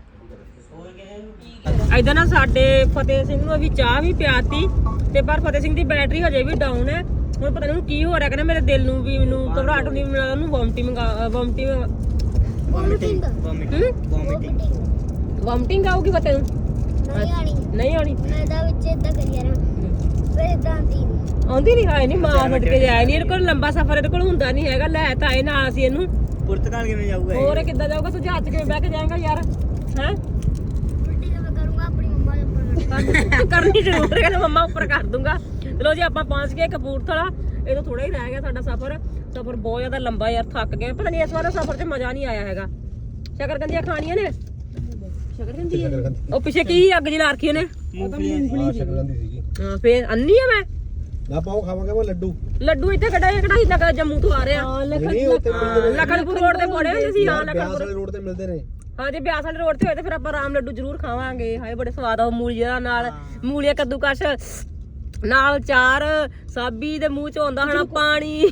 ਇਦਾਂ ਨਾ ਸਾਡੇ ਫਤਿਹ ਸਿੰਘ ਨੂੰ ਵੀ ਚਾਹ ਵੀ ਪਿਆਤੀ ਤੇ ਪਰ ਫਤਿਹ ਸਿੰਘ ਦੀ ਬੈਟਰੀ ਹਜੇ ਵੀ ਡਾਊਨ ਹੈ ਹੁਣ ਪਤਾ ਨਹੀਂ ਕੀ ਹੋ ਰਿਹਾ ਕਹਿੰਦਾ ਮੇਰੇ ਦਿਲ ਨੂੰ ਵੀ ਮੈਨੂੰ ਘਬਰਾਹਟ ਹੁੰਦੀ ਮੈਨੂੰ ਉਹਨੂੰ vomiting vomiting vomiting vomiting vomiting ਆਊਗੀ ਫਤਿਹ ਨੂੰ ਨਹੀਂ ਆਣੀ ਨਹੀਂ ਆਉਣੀ ਮੈਂ ਤਾਂ ਵਿੱਚ ਇਦਾਂ ਕਰੀ ਜਾਣਾ ਫਿਰ ਇਦਾਂ ਆਂਦੀ ਨੀ। ਆਉਂਦੀ ਨਹੀਂ ਹਾਏ ਨਹੀਂ ਮਾਂ ਫਟ ਕੇ ਜਾਇਆ ਨਹੀਂ ਇਹਦੇ ਕੋਲ ਲੰਬਾ ਸਫ਼ਰ ਇਹਦੇ ਕੋਲ ਹੁੰਦਾ ਨਹੀਂ ਹੈਗਾ ਲੈ ਤਾਂ ਇਹ ਨਾਲ ਅਸੀਂ ਇਹਨੂੰ ਪੁਰਤਗਾਲ ਕਿਵੇਂ ਜਾਊਗਾ ਇਹ? ਹੋਰ ਕਿੱਦਾਂ ਜਾਊਗਾ ਤੂੰ ਜਹਾਜ਼ 'ਚ ਕਿਵੇਂ ਬਹਿ ਕੇ ਜਾਏਗਾ ਯਾਰ ਹੈ ਉਲਟੀ ਤਾਂ ਮੈਂ ਕਰੂੰਗਾ ਆਪਣੀ ਮੰਮਾ ਦੇ ਉੱਪਰ ਕਰਨੀ ਜ਼ਰੂਰ ਹੈ ਕਹਿੰਦਾ ਮੰਮਾ ਉੱਪਰ ਕਰ ਦੂੰਗਾ ਚਲੋ ਜੀ ਆਪਾਂ ਪਹੁੰਚ ਗਏ ਕਪੂਰਥਲਾ ਇਹ ਤਾਂ ਥੋੜਾ ਹੀ ਰਹਿ ਗਿਆ ਸਾਡਾ ਸਫ਼ਰ ਸਫ਼ਰ ਬਹੁਤ ਜ਼ਿਆਦਾ ਲੰਬਾ ਯਾਰ ਥੱਕ ਗਏ ਪਤਾ ਨਹੀਂ ਇਸ ਵਾਰ ਸਫ਼ਰ 'ਚ ਮਜ਼ਾ ਨਹੀਂ ਆਇਆ ਹੈਗਾ ਸ਼ਕਰਕੰਦੀਆਂ ਖਾਣੀਆਂ ਨੇ ਸ਼ਕਰਕੰਦੀ ਉਹ ਪਿੱਛੇ ਕੀ ਅੱਗ ਜੀ ਲਾ ਰੱਖੀ ਉਹਨੇ ਹਾਂ ਸ਼ਕਲਾਂ ਦੀ ਸੀਗੀ ਹਾਂ ਫੇਰ ਅੰਨੀ ਆ ਮੈਂ ਨਾ ਪਾਓ ਖਾਵਾਂਗੇ ਮੈਂ ਲੱਡੂ ਲੱਡੂ ਇੱਥੇ ਕਢਾਈ ਕਢਾਈ ਲੱਗਾ ਜੰਮੂ ਤੋਂ ਆ ਰਿਹਾ ਨਹੀਂ ਉੱਥੇ ਮਿਲਦੇ ਨੇ ਲਖਨਪੁਰ ਰੋਡ ਤੇ ਪੜੇ ਹੁੰਦੇ ਸੀ ਹਾਂ ਬਿਆਸ ਲਖਨਪੁਰ ਵਾਲੇ ਰੋਡ ਤੇ ਮਿਲਦੇ ਨੇ ਹਾਂ ਜੇ ਬਿਆਸ ਵਾਲੇ ਰੋਡ ਤੇ ਹੋਏ ਤੇ ਫਿਰ ਆਪਾਂ ਰਾਮ ਲੱਡੂ ਜ਼ਰੂਰ ਖਾਵਾਂਗੇ ਹਾਏ ਬੜੇ ਸਵਾਦ ਆ ਮੂਲੀਆਂ ਨਾਲ ਮੂਲੀਆਂ ਕੱਦੂਕਸ਼ ਨਾਲ ਚਾਰ ਸਾਬੀ ਦੇ ਮੂੰਹ ਚ ਆਉਂਦਾ ਹਣਾ ਪਾਣੀ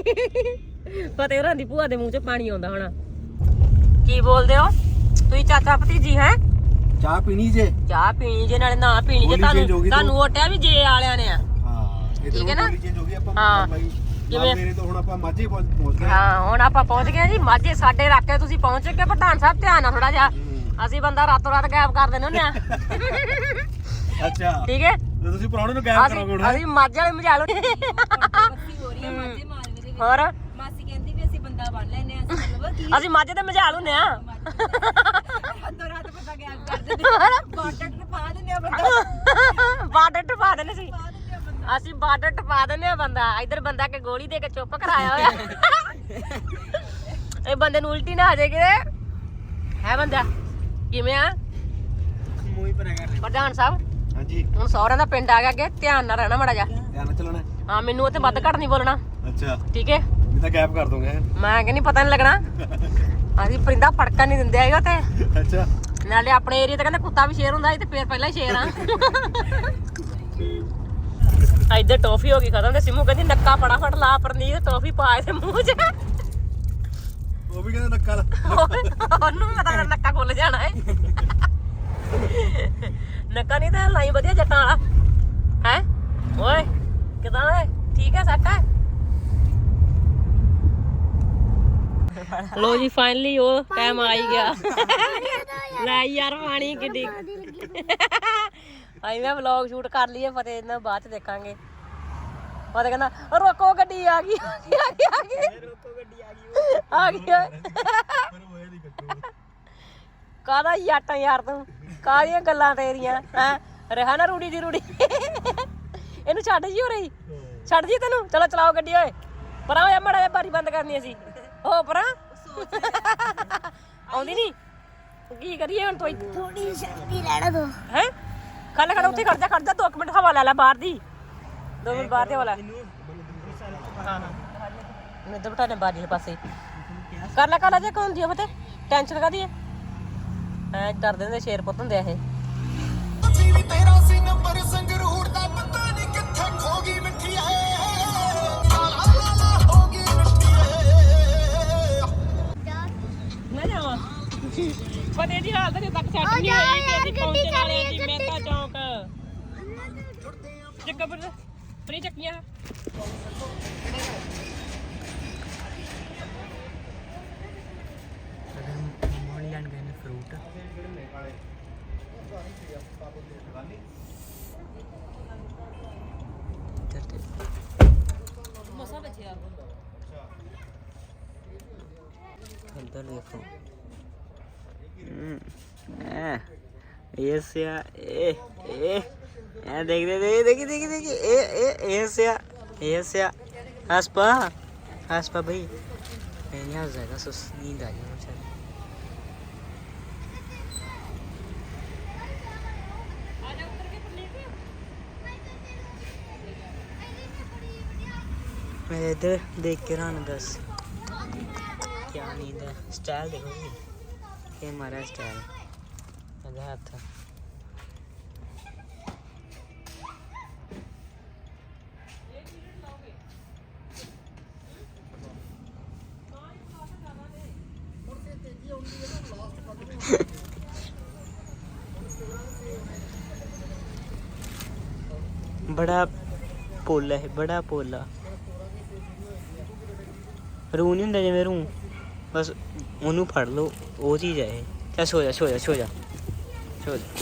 ਫਤਿਹ ਹੋਰਾਂ ਦੀ ਭੂਆ ਦੇ ਮੂੰਹ ਚ ਪਾਣੀ ਆਉਂਦਾ ਹਣਾ ਕੀ ਬੋਲਦੇ ਹੋ ਤੁਸੀਂ ਚਾਚਾ ਭਤੀਜੀ ਹੈ ਚਾਹ ਪੀਣੀ ਜੇ ਚਾਹ ਪੀਣੀ ਜੇ ਨਾਲੇ ਨਾ ਪੀਣੀ ਜੇ ਤੁਹਾਨੂੰ ਤੁਹਾਨੂੰ ਓਟਿਆ ਵੀ ਜੇ ਵਾਲਿਆਂ ਨੇ ਆ ਹਾਂ ਠੀਕ ਹੈ ਨਾ? ਜੋ ਵੀ ਆਪਾਂ ਹਾਂ। ਬਾਈ ਕਿਵੇਂ? ਮੇਰੇ ਤੋਂ ਹੁਣ ਆਪਾਂ ਮਾਝੇ ਪਹੁੰਚ ਪਹੁੰਚ ਗਏ ਹਾਂ ਹੁਣ ਆਪਾਂ ਪਹੁੰਚ ਗਏ ਜੀ ਮਾਝੇ ਸਾਡੇ ਇਲਾਕੇ ਤੁਸੀਂ ਪਹੁੰਚ ਕੇ ਪ੍ਰਧਾਨ ਸਾਹਿਬ ਧਿਆਨ ਨਾਲ ਥੋੜਾ ਜਿਹਾ ਅਸੀਂ ਬੰਦਾ ਰਾਤੋਂ ਰਾਤ ਗਾਇਬ ਕਰ ਦਿੰਦੇ ਹੁੰਦੇ ਆ ਅੱਛਾ ਠੀਕ ਹੈ ਤੇ ਤੁਸੀਂ ਪ੍ਰਾਹੁਣੇ ਨੂੰ ਗਾਇਬ ਅਸੀਂ ਕਰੋਗੇ ਹੁਣ ਅਸੀਂ ਮਾਝੇ ਵਾਲੇ ਮਝਾਲੋ ਹੋ ਰਹੀ ਹੈ ਮਾਝੇ ਮਾਲਵੇ ਦੇ ਵਿੱਚ ਹੋਰ ਮਾਸੀ ਕਹਿੰਦੀ ਵੀ ਅਸੀਂ ਬੰਦਾ ਬਣ ਲੈਨੇ ਆ ਅਸੀਂ ਮਤਲਬ ਕੀ ਅਸੀਂ ਮਾਝੇ ਤੇ ਮਝਾਲ ਹੁੰਦੇ ਆ ਰਾਤੋਂ ਰਾਤ ਬੰਦਾ ਗੈਪ ਕਰ ਦਿੰਦੇ ਬਾਟਰ ਤੇ ਪਾ ਦਿੰਦੇ ਆ ਬੰਦਾ ਬਾਰਡਰ ਟਪਾ ਦਿੰਦੇ ਸੀ ਪਾ ਦਿੰਦੇ ਆ ਬੰਦਾ ਅਸੀਂ ਬਾਰਡਰ ਟਪਾ ਦਿੰਦੇ ਆ ਬੰਦਾ ਇਧਰ ਬੰਦਾ ਕੇ ਗੋਲੀ ਦੇ ਕੇ ਚੁੱਪ ਕਰਾਇਆ ਹੋਇਆ ਇਹ ਬੰਦੇ ਨੂੰ ਉਲਟੀ ਨਾ ਆ ਜਾਏ ਕਿਤੇ ਹੈ ਬੰਦਾ ਕਿਵੇਂ ਆ ਮੂੰਹ ਹੀ ਭਰਿਆ ਕਰ ਪ੍ਰਧਾਨ ਸਾਹਿਬ ਹਾਂਜੀ ਹੁਣ ਸਹੁਰਿਆਂ ਦਾ ਪਿੰਡ ਆ ਗਿਆ ਅੱਗੇ, ਧਿਆਨ ਨਾਲ ਰਹਿਣਾ ਮਾੜਾ ਜਾ। ਧਿਆਨ ਨਾਲ ਚੱਲਣਾ। ਹਾਂ ਮੈਨੂੰ ਉੱਥੇ ਵੱਧ ਘੱਟ ਨਹੀਂ ਬੋਲਣਾ, ਅੱਛਾ ਠੀਕ ਹੈ? ਨਹੀਂ ਤਾਂ ਗੈਪ ਕਰ ਦੋਗੇ। ਮੈਂ ਕਹਿੰਦੀ ਪਤਾ ਨਹੀਂ ਲੱਗਣਾ। ਅਸੀਂ ਪਰਿੰਦਾ ਫੜਕਣ ਨਹੀਂ ਦਿੰਦੇ ਹੈਗਾ ਤੇ ਅੱਛਾ ਨਾਲੇ ਆਪਣੇ ਏਰੀਆ ਤੇ ਕਹਿੰਦੇ ਕੁੱਤਾ ਵੀ ਸ਼ੇਰ ਹੁੰਦਾ ਸੀ ਤੇ ਫੇਰ ਪਹਿਲਾਂ ਹੀ ਸ਼ੇਰ ਆ। ਇੱਧਰ ਟੌਫੀ ਹੋ ਗਈ ਖਤਮ ਤੇ ਸਿਮੂ ਕਹਿੰਦੀ ਨੱਕਾ ਫਟਾਫਟ ਲਾ ਪਰਨੀਤ, ਟੌਫੀ ਪਾ ਇਹਦੇ ਮੂੰਹ 'ਚ। ਉਹ ਵੀ ਕਹਿੰਦਾ ਨੱਕਾ ਲਾ। ਉਹਨੂੰ ਵੀ ਪਤਾ ਨੱਕਾ ਖੁੱਲ ਜਾਣਾ ਹੈ। ਨੱਕਾ ਨਹੀਂ ਤਾਂ ਲਾਈ ਵਧੀਆ ਜੱਟਾਂ ਵਾਲਾ ਹੈ। ਓਏ ਕਿਦਾਂ ਹੈ? ਠੀਕ ਹੈ ਸੱਟ ਹੈ। ਲੋ ਜੀ ਫਾਈਨਲੀ ਉਹ ਟਾਈਮ ਆ ਹੀ ਗਿਆ। ਲੈ ਯਾਰ ਪਾਣੀ ਕਿੱਡੀ। ਆਈ ਮੈਂ ਵਲੌਗ ਸ਼ੂਟ ਕਰ ਲਈਏ, ਫਤਿਹ ਇਹਨਾਂ ਬਾਅਦ ਚ ਦੇਖਾਂਗੇ। ਫਤਿਹ ਕਹਿੰਦਾ ਰੋਕੋ ਗੱਡੀ ਆ ਗਈ ਆ ਗਈ ਆ ਗਈ ਰੋਕੋ ਗੱਡੀ ਆ ਗਈ ਆ ਗਈ। ਕਾਹਦਾ ਯਾਟਾ ਯਾਰ ਤੂੰ, ਕਾਹਦੀਆਂ ਗੱਲਾਂ ਤੇਰੀਆਂ ਹੈ। ਰਿਹਾ ਨਾ ਰੂੜੀ ਦੀ ਰੂੜੀ। ਇਹਨੂੰ ਛੱਡ ਜੀ ਹੋ ਰਹੀ, ਛੱਡ ਜੀ ਤੈਨੂੰ। ਚਲੋ ਚਲਾਓ ਗੱਡੀ। ਓਏ ਪਰਾਂ ਹੋਇਆ ਮਾੜਾ ਜਿਹਾ, ਬਾਰੀ ਬੰਦ ਕਰਨੀ ਅਸੀਂ। ਹੋ ਪਰਾਂ ਆਉਂਦੀ ਨੀ, ਕੀ ਕਰੀਏ ਹੁਣ? ਤੋਈ ਥੋੜੀ ਸ਼ਕਤੀ ਲੈਣਾ ਦੋ ਹੈ। ਖੜ ਖੜ ਉੱਥੇ ਖੜ ਜਾ, ਖੜ ਜਾ ਦੋ ਮਿੰਟ ਹਵਾ ਲੈ ਲੈ ਬਾਹਰ ਦੀ। ਦੋ ਮਿੰਟ ਬਾਹਰ ਦੀ ਹਵਾ ਲੈ। ਹਾਂ ਮੈਨੂੰ ਇੱਧਰ ਬਿਠਾ ਲੈ ਬਾਹਰ ਵਾਲੇ ਪਾਸੇ। ਕਰ ਲੈ ਕਰ ਲੈ ਜੇ ਕੌਣ ਦੀ ਫਤੇ ਟੈਨਸ਼ਨ ਕਾਹਦੀ ਹੈ? ਐ ਡਰਦੇ ਹੁੰਦੇ ਸ਼ੇਰ ਪੁੱਤ ਹੁੰਦੇ ਆ ਇਹ। ਵੀ ਤੇਰਾ ਸੀ ਨੰਬਰ ਸੰਗਰੂਰ ਦਾ, ਪਤਾ ਨਹੀਂ ਕਿੱਥੇ ਖੋ ਗਈ ਮਿੱਠੀ ਏ। ਲਾ ਲਾ ਲਾ ਹੋ ਗਈ ਮਿੱਠੀ ਏ। ਮੈਂ ਜਾਵਾਂ ਫਤੇ ਦੀ ਹਾਲਤ ਅਜੇ ਤੱਕ ਸੈੱਟ ਨਹੀਂ ਹੋਈ ਕਿ ਅਸੀਂ ਪਹੁੰਚਣ ਵਾਲੇ ਸੀ ਮਹਿਤਾ ਚੌਂਕ। ਜੱਗਾ ਪਰ ਪਰੀ ਚੱਕੀਆਂ ਲੈਣ ਗਏ ਨੇ ਫਰੂਟ। ਮਸਾ ਬਚਿਆ। ਇੱਧਰ ਦੇਖੋ। ਇਹ ਸਿਆ ਇਹ ਇਹ ਇਹ ਦੇਖ ਦੇ ਦੇ ਦੇਖੀ ਦੇਖੀ ਦੇਖੀ ਇਹ ਇਹ ਇਹ ਸਿਆ ਇਹ ਸਿਆ ਹਸਪਾ ਹਸਪਾ ਭਾਈ मैं नहीं हंस जाएगा। सुस नींद आ गई मुझे। मैं इधर देख के रहा बस क्या नींद है। स्टाइल देखो जी, ये हमारा स्टाइल मेरा हाथ था। बड़ा पोला है, बड़ा पोला। ਰੂ ਨਹੀਂ ਹੁੰਦਾ ਜਿਵੇਂ ਰੂ, ਬਸ ਉਹਨੂੰ ਫੜ ਲਓ, ਉਹ ਚੀਜ਼ ਹੈ ਇਹ। ਚੱਲ ਸੋ ਜਾ ਸੋ ਜਾ ਸੋ ਜਾ ਸੋ ਜਾ।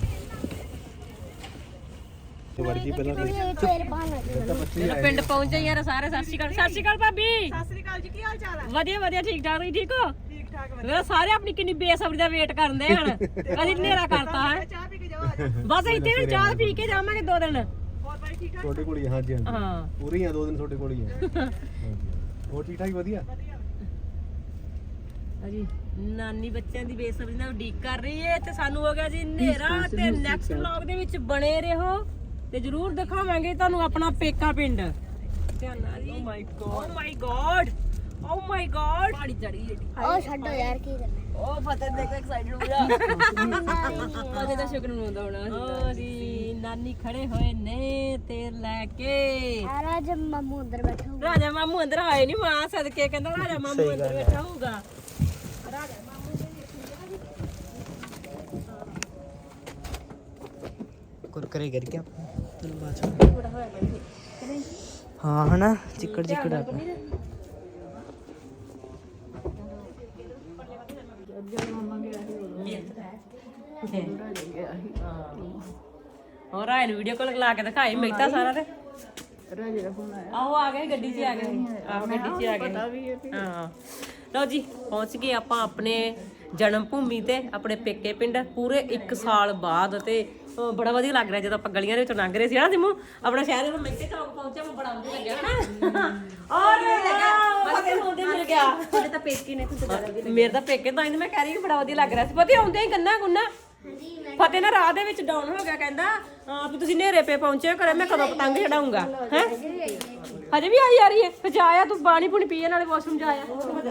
ਵਰਜੀ ਪਹਿਲਾਂ ਫੇਰ ਪਾਣਾ ਪਿੰਡ ਪਹੁੰਚੇ ਯਾਰ ਸਾਰੇ। ਸਤਿ ਸ਼੍ਰੀ ਅਕਾਲ। ਸਤਿ ਸ਼੍ਰੀ ਅਕਾਲ ਭਾਬੀ। ਸਤਿ ਸ੍ਰੀ ਅਕਾਲ ਜੀ, ਕੀ ਹਾਲ ਚਾਲ ਹੈ? ਵਧੀਆ ਵਧੀਆ ਠੀਕ ਠਾਕ। ਤੁਸੀਂ ਠੀਕ ਹੋ? ਠੀਕ ਠਾਕ ਵਧੀਆ। ਮੇਰਾ ਸਾਰੇ ਆਪਣੀ ਕਿੰਨੀ ਬੇਸਬਰੀ ਦਾ ਵੇਟ ਕਰਦੇ ਹਨ। ਅਸੀਂ ਹਨੇਰਾ ਕਰਤਾ ਹੈ। ਚਾਹ ਪੀ ਕੇ ਜਾਓ ਅੱਜ। ਬਸ ਇੱਥੇ ਵੀ ਚਾਹ ਪੀ ਕੇ ਜਾਵਾਂਗੇ ਦੋ ਦਿਨ। ਹੋਰ ਬਾਈ ਠੀਕ ਠਾਕ? ਤੁਹਾਡੇ ਕੋਲ ਹੀ ਆ, ਹਾਂਜੀ ਹਾਂਜੀ ਹਾਂ ਪੂਰੀ ਆ, ਦੋ ਦਿਨ ਤੁਹਾਡੇ ਕੋਲ ਹੀ ਆ। ਹੋਰ ਠੀਕ ਠਾਕ ਵਧੀਆ। ਅਜੀ ਨਾਨੀ ਬੱਚਿਆਂ ਦੀ ਬੇਸਬਰੀ ਨਾਲ ਉਡੀਕ ਕਰ ਰਹੀ ਏ ਤੇ ਸਾਨੂੰ ਹੋ ਗਿਆ ਜੀ ਹਨੇਰਾ। ਤੇ ਨੈਕਸਟ ਵਲੌਗ ਦੇ ਵਿੱਚ ਬਣੇ ਰਹੋ ਤੇ ਜਰੂਰ ਦਿਖਾਵਾਂਗੇ ਤੁਹਾਨੂੰ ਆਪਣਾ ਪੇਕਾ ਪਿੰਡ। ਧਿਆਨ ਨਾਲ ਜੀ। Oh my god oh my god oh my god ਪਾਣੀ ਚੜੀ ਏ। ਉਹ ਛੱਡੋ ਯਾਰ, ਕੀ ਕਰਨਾ। ਉਹ ਫਤਿਹ ਦੇਖ ਐਕਸਾਈਟਡ ਹੋ ਗਿਆ। ਫਤਿਹ ਦਾ ਸ਼ੁਕਰ ਮਨਾਉਂਦਾ ਹੋਣਾ। ਓ ਜੀ ਨਾਨੀ ਖੜੇ ਹੋਏ ਨੇ ਤੇਲ ਲੈ ਕੇ। ਆ ਰਾਜ ਮਾਮੂ ਅੰਦਰ ਬੈਠਾ ਹੋਊਗਾ। ਰਾਜਾ ਮਾਮੂ ਅੰਦਰ ਆਏ ਨਹੀਂ, ਮਾਂ ਸਦਕੇ ਕਹਿੰਦਾ ਰਾਜਾ ਮਾਮੂ ਅੰਦਰ ਬੈਠਾ ਹੋਊਗਾ। कुरकुरे गिर गया चलो बात। हाँ है ना, चिकड़ चिकड़ आ गया। ਹੋਰ ਆਏ ਨੂੰ ਵੀਡੀਓ ਕਾਲ ਲਾ ਕੇ ਦਿਖਾਈ ਮਿਲਤਾ ਸਾਰਾ ਤੇ ਰਾਜੇ ਦਾ ਫੋਨ ਆਇਆ। ਆਹੋ ਆ ਗਏ ਗੱਡੀ 'ਚ ਆ ਗਏ। ਆਹੋ ਗੱਡੀ 'ਚ ਆ ਗਏ। ਹਾਂ ਲਓ ਜੀ ਪਹੁੰਚ ਗਏ ਆਪਾਂ ਆਪਣੇ ਜਨਮ ਭੂਮੀ ਤੇ, ਆਪਣੇ ਪੇਕੇ ਪਿੰਡ ਪੂਰੇ ਇੱਕ ਸਾਲ ਬਾਅਦ। ਤੇ ਬੜਾ ਵਧੀਆ ਲੱਗ ਰਿਹਾ ਜਦੋਂ ਆਪਾਂ ਗਲੀਆਂ ਦੇ ਵਿੱਚੋਂ ਲੰਘ ਰਹੇ ਸੀ ਨਾ ਸਿਮੂ। ਆਪਣਾ ਸ਼ਹਿਰ ਦੇ ਮਹਿਤੇ ਚੌਕ ਪਹੁੰਚਿਆ, ਮੈਂ ਬੜਾ ਵਧੀਆ ਲੱਗਿਆ ਹਨਾ। ਔਰ ਫਤਿਹ ਨੂੰ ਉਹਦੇ ਮਿਲ ਗਿਆ। ਤੁਹਾਡੇ ਤਾਂ ਪੇਕੇ ਨੇ, ਤੁਸੀਂ ਤਾਂ ਮੇਰੇ ਤਾਂ ਪੇਕੇ ਤਾਂ ਇਹਨੂੰ ਮੈਂ ਕਹਿ ਰਹੀ ਕਿ ਬੜਾ ਵਧੀਆ ਲੱਗ ਰਿਹਾ ਸੀ। ਪਤਾ ਆਉਂਦੇ ਹੀ ਗੰਨਾ ਗੁੰਨਾ ਫਤਿਹ ਨਾ ਰਾਹ ਦੇ ਵਿੱਚ ਡਾਊਨ ਹੋ ਗਿਆ, ਕਹਿੰਦਾ ਹਾਂ ਵੀ ਤੁਸੀਂ ਨੇਰੇ ਪੇ ਪਹੁੰਚੇ ਕਰੇ, ਮੈਂ ਕਦੋਂ ਪਤੰਗ ਚੜਾਉਂਗਾ ਹੈ। ਹਜੇ ਵੀ ਆਈ ਆ ਰਹੀ ਹੈ, ਫਿਰ ਜਾਇਆ ਤੂੰ ਪਾਣੀ ਪੂਣੀ ਪੀਏ ਨਾਲੇ ਵਾਸ਼ਰੂਮ ਜਾਇਆ।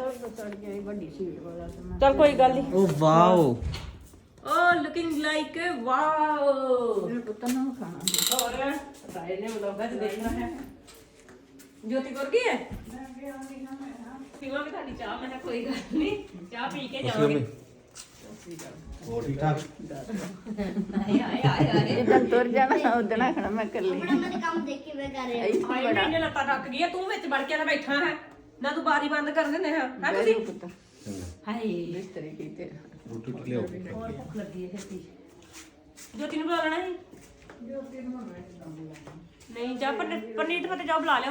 ਚੱਲ ਕੋਈ ਗੱਲ ਨਹੀਂ। Oh wow Oh, looking like a wow. मेरे पुत्र ने खाना और सारे ने व्लॉग में देखना है। ज्योति कर गई है? पीवा भी थाली चाह, मैंने कोई गल नहीं, चाह पी के जाओगे। ਹੋਰ ਠੀਕ ਠਾਕ आए आए आए आए ਜਦੋਂ ਤੁਰ ਜਾਣਾ ਉਦਣਾ ਖਣਾ ਮੈਂ ਕਰ ਲਈ मैं तो काम देख के मैं कर रही हूं। ਆਏ ਮੈਨੇ ਲੱਤਾਂ ਟੱਕ ਗਈ ਤੂੰ ਵਿੱਚ ਵੜ ਕੇ ਨਾ ਬੈਠਾ ਹੈ ਨਾ, ਤੂੰ ਬਾਰੀ ਬੰਦ ਕਰ ਦਿੰਦੇ ਹਾਂ ਹੈ ਤੁਸੀਂ। ਹਾਏ ਇਸ ਤਰੀਕੇ ਤੇ ਰੋਟੀ ਟੁੱਕ ਲਿਓ। ਹੋਰ ਭੁੱਖ ਲੱਗੀ ਹੈ ਛੇਤੀ। ਜੋਤੀ ਨੂੰ ਬੁਲਾ ਲੈਣਾ ਸੀ। ਨਹੀਂ ਜਾ ਪਨੀਰ ਪਨੀਰ ਤੇ ਜਾ ਬੁਲਾ ਲਿਆ।